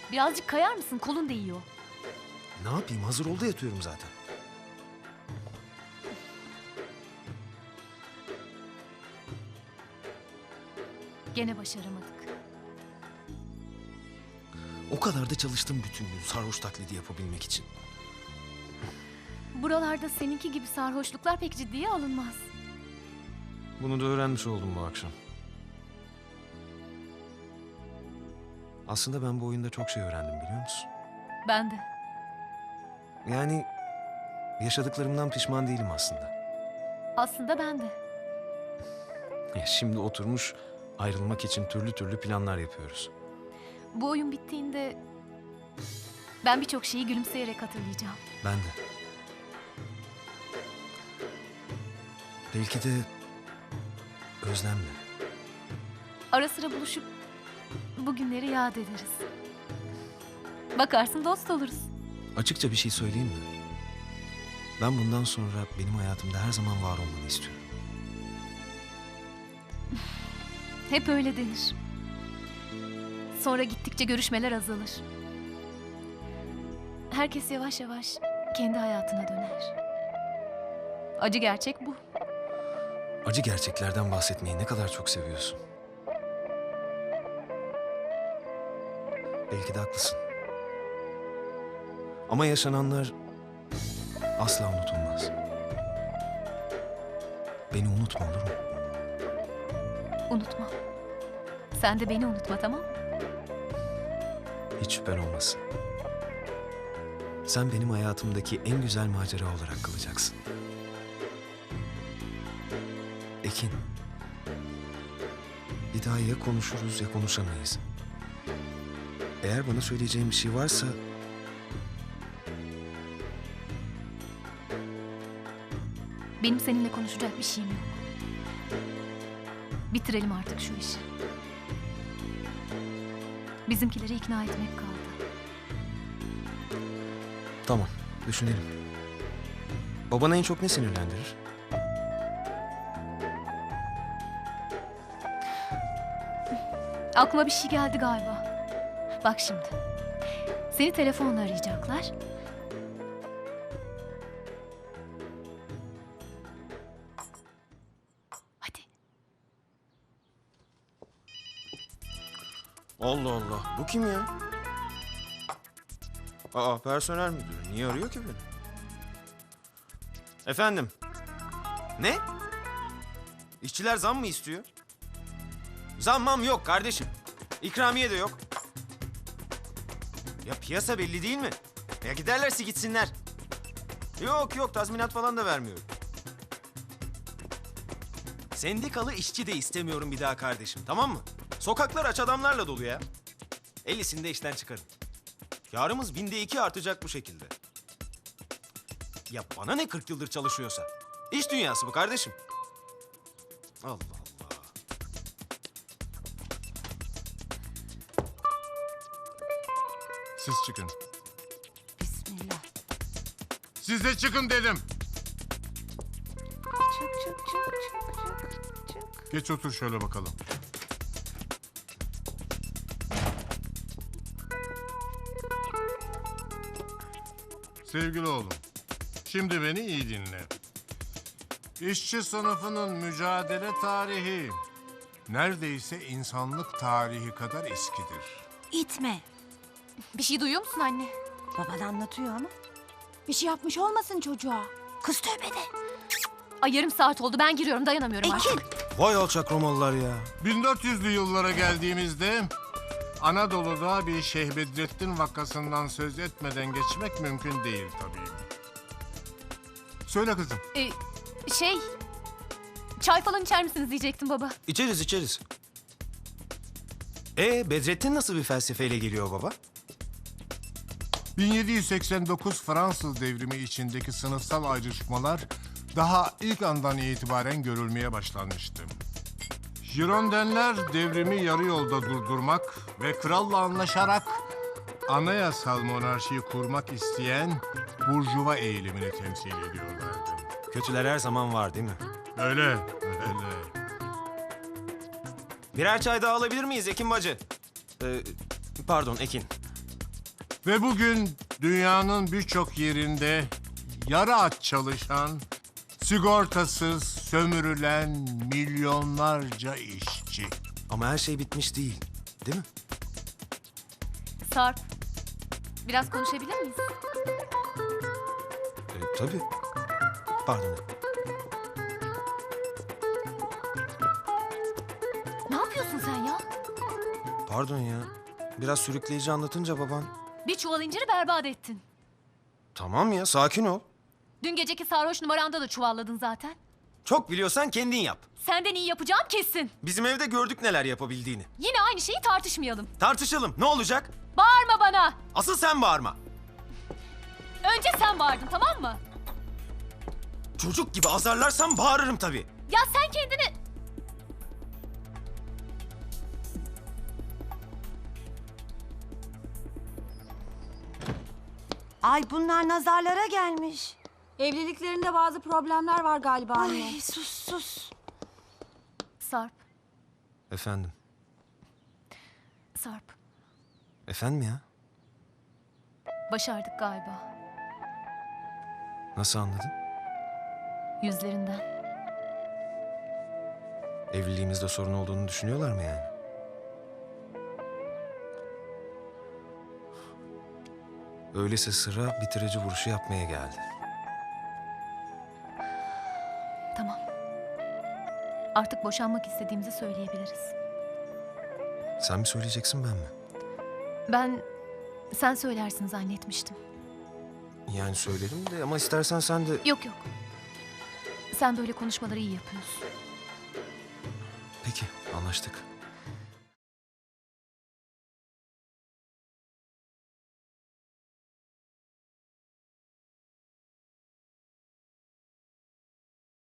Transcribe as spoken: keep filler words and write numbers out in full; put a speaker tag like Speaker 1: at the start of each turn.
Speaker 1: Birazcık kayar mısın? Kolun değiyor.
Speaker 2: Ne yapayım? Hazır oldu yatıyorum zaten.
Speaker 1: Gene başaramadık.
Speaker 2: O kadar da çalıştım bütün gün sarhoş taklidi yapabilmek için.
Speaker 1: Buralarda seninki gibi sarhoşluklar pek ciddiye alınmaz.
Speaker 2: Bunu da öğrenmiş oldum bu akşam. Aslında ben bu oyunda çok şey öğrendim biliyor musun?
Speaker 1: Ben de.
Speaker 2: Yani yaşadıklarımdan pişman değilim aslında.
Speaker 1: Aslında ben de.
Speaker 2: Ya şimdi oturmuş ayrılmak için türlü türlü planlar yapıyoruz.
Speaker 1: Bu oyun bittiğinde ben birçok şeyi gülümseyerek hatırlayacağım.
Speaker 2: Ben de. Belki de özlemle.
Speaker 1: Ara sıra buluşup bu günleri yad ederiz. Bakarsın dost oluruz.
Speaker 2: Açıkça bir şey söyleyeyim mi? Ben bundan sonra benim hayatımda her zaman var olmanı istiyorum.
Speaker 1: Hep öyle denir. Sonra gittikçe görüşmeler azalır. Herkes yavaş yavaş kendi hayatına döner. Acı gerçek bu.
Speaker 2: Acı gerçeklerden bahsetmeyi ne kadar çok seviyorsun. Belki de haklısın. Ama yaşananlar asla unutulmaz. Beni unutma olur mu?
Speaker 1: Unutma. Sen de beni unutma, tamam mı?
Speaker 2: Hiç şüphen olmasın. Sen benim hayatımdaki en güzel macera olarak kalacaksın. Ekin. Bir daha ya konuşuruz ya konuşamayız. Eğer bana söyleyeceğin bir şey varsa...
Speaker 1: Benim seninle konuşacak bir şeyim yok. Bitirelim artık şu işi. Bizimkileri ikna etmek kaldı.
Speaker 2: Tamam, düşünelim. Babana en çok ne sinirlendirir?
Speaker 1: Aklıma bir şey geldi galiba. Bak şimdi. Seni telefonla arayacaklar. Hadi.
Speaker 2: Allah Allah, bu kim ya? Aa, personel müdürü. Niye arıyor ki beni? Efendim? Ne? İşçiler zam mı istiyor? Zammam yok kardeşim. İkramiye de yok. Ya piyasa belli değil mi? Ya giderlerse gitsinler. Yok yok, tazminat falan da vermiyorum. Sendikalı işçi de istemiyorum bir daha kardeşim, tamam mı? Sokaklar aç adamlarla dolu ya. ellisini de işten çıkarın. Yarımız binde iki artacak bu şekilde. Ya bana ne kırk yıldır çalışıyorsa? İş dünyası bu kardeşim. Allah Allah.
Speaker 3: Siz çıkın.
Speaker 4: Bismillah.
Speaker 3: Siz de çıkın dedim.
Speaker 4: Çık çık çık çık çık çık.
Speaker 3: Geç otur şöyle bakalım. Sevgili oğlum, şimdi beni iyi dinle. İşçi sınıfının mücadele tarihi neredeyse insanlık tarihi kadar eskidir.
Speaker 4: İtme.
Speaker 1: Bir şey duyuyor musun anne?
Speaker 4: Baban anlatıyor ama. Bir şey yapmış olmasın çocuğa. Kız tövbede.
Speaker 1: Ay yarım saat oldu, ben giriyorum, dayanamıyorum
Speaker 4: Ekin.
Speaker 1: artık.
Speaker 2: Vay alçak Romalılar ya.
Speaker 3: bin dört yüzlü yıllara geldiğimizde Anadolu'da bir Şeyh Bedrettin vakasından söz etmeden geçmek mümkün değil tabii. Söyle kızım.
Speaker 1: Ee, şey... Çay falan içer misiniz diyecektim baba.
Speaker 2: İçeriz içeriz. Ee, Bedrettin nasıl bir felsefeyle geliyor baba?
Speaker 3: bin yedi yüz seksen dokuz Fransız devrimi içindeki sınıfsal ayrışmalar daha ilk andan itibaren görülmeye başlanmıştı. Girondenler devrimi yarı yolda durdurmak ve kralla anlaşarak anayasal monarşiyi kurmak isteyen burjuva eğilimini temsil ediyorlardı.
Speaker 2: Kötüler her zaman var değil mi?
Speaker 3: Öyle, öyle.
Speaker 2: Birer çay daha alabilir miyiz Ekin bacı? Ee, pardon Ekin.
Speaker 3: Ve bugün dünyanın birçok yerinde yarı aç çalışan, sigortasız sömürülen milyonlarca işçi.
Speaker 2: Ama her şey bitmiş değil. Değil mi?
Speaker 1: Sarp, biraz konuşabilir miyiz?
Speaker 2: E, tabii. Pardon.
Speaker 1: Ne yapıyorsun sen ya?
Speaker 2: Pardon ya. Biraz sürükleyici anlatınca baban.
Speaker 1: Bir çuval inciri berbat ettin.
Speaker 2: Tamam ya, sakin ol.
Speaker 1: Dün geceki sarhoş numaranda da çuvalladın zaten.
Speaker 2: Çok biliyorsan kendin yap.
Speaker 1: Senden iyi yapacağım kesin.
Speaker 2: Bizim evde gördük neler yapabildiğini.
Speaker 1: Yine aynı şeyi tartışmayalım.
Speaker 2: Tartışalım. Ne olacak?
Speaker 1: Bağırma bana.
Speaker 2: Asıl sen bağırma.
Speaker 1: Önce sen bağırdın, tamam mı?
Speaker 2: Çocuk gibi azarlarsan bağırırım tabii.
Speaker 1: Ya sen kendini...
Speaker 4: Ay bunlar nazarlara gelmiş.
Speaker 5: Evliliklerinde bazı problemler var galiba anne.
Speaker 4: Ay sus sus.
Speaker 1: Sarp,
Speaker 2: Efendim.
Speaker 1: Sarp.
Speaker 2: Efendim ya?
Speaker 1: Başardık galiba.
Speaker 2: Nasıl anladın?
Speaker 1: Yüzlerinden.
Speaker 2: Evliliğimizde sorun olduğunu düşünüyorlar mı yani? Öyleyse sıra bitirici vuruşu yapmaya geldi.
Speaker 1: Tamam. Artık boşanmak istediğimizi söyleyebiliriz.
Speaker 2: Sen mi söyleyeceksin, ben mi?
Speaker 1: Ben sen söylersin zannetmiştim.
Speaker 2: Yani söylerim de ama istersen sen de...
Speaker 1: Yok yok. Sen böyle konuşmaları iyi yapıyorsun.
Speaker 2: Peki, anlaştık.